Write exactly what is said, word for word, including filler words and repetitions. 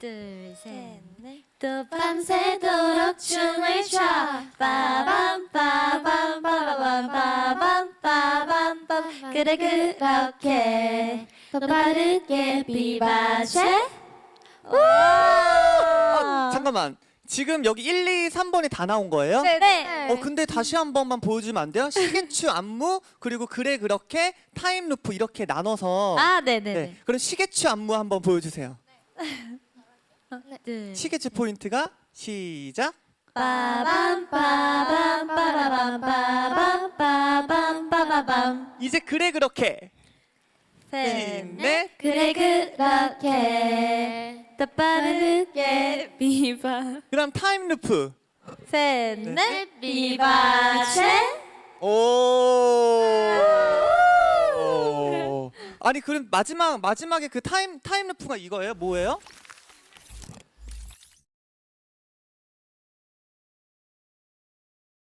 둘, 셋, 넷. 또 밤새도록 춤을 춰 빠밤 빠밤 빠밤 빠밤 빠밤 빠밤 그래 그렇게 더 빠르게 비바쉐. 어, 잠깐만. 지금 여기 일, 이, 삼 번이 다 나온 거예요? 네, 네. 어 근데 다시 한 번만 보여주면 안 돼요? 시계추 안무 그리고 그래 그렇게 타임 루프 이렇게 나눠서 아, 네, 네, 네. 네. 그럼 시계추 안무 한번 보여주세요. 둘. 시계추 포인트가 시작. 빠밤 빠밤 빠밤 빠밤 빠밤 빠밤 이제 그래 그렇게 셋, 넷. 그래 그렇게 더 빠르게 비바 그럼 타임 루프. 셋, 네. 넷. 비바쉐. 오. 오. 아니 그럼 마지막 마지막에 그 타임 타임 루프가 이거예요? 뭐예요?